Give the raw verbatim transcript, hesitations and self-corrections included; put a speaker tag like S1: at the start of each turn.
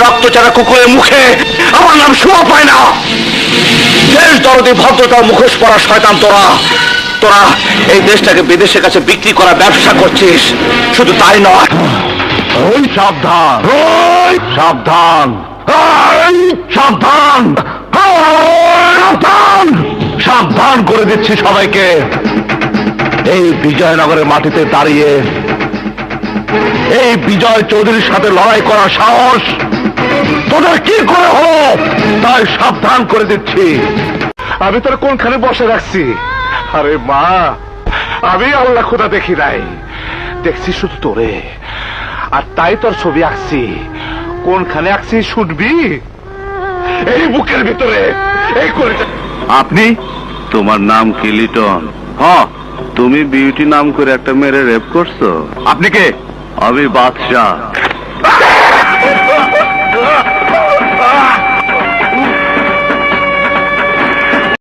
S1: রক্তচারা কুকুরের মুখে আমার নাম শোভা পায় না। দেশ দরদি ভদ্রতার মুখোশ পরা শয়তান তোরা তোরা এই দেশটাকে বিদেশের কাছে বিক্রি করা ব্যবসা করছিস। শুধু তাই নয়, ওই সাবধান, ওই সাবধান, এই সাবধান, সাবধান, সাবধান করে দিচ্ছি সবাইকে। এই বিজয়নগরের মাটিতে দাঁড়িয়ে এই বিজয় চৌধুরীর সাথে লড়াই করার সাহস তোদের কি করে হলো, তাই সাবধান করে দিচ্ছি। আমি তোর কোনখানে বসে রাখছি? আরে মা, আমি আল্লাহ খোদা দেখি নাই, দেখছি শুধু তোরে, আর তাই তোর ছবি আঁকছি। কোনখানে আঁকছি শুনবি? এই বুকের ভিতরে, এই করে।
S2: আপনি? তোমার নাম কি লিটন? হ্যাঁ, তুমি বিউটি নাম করে একটা মেরে রেপ করছো।
S1: আপনি কে?
S2: আমি বাদশাহ।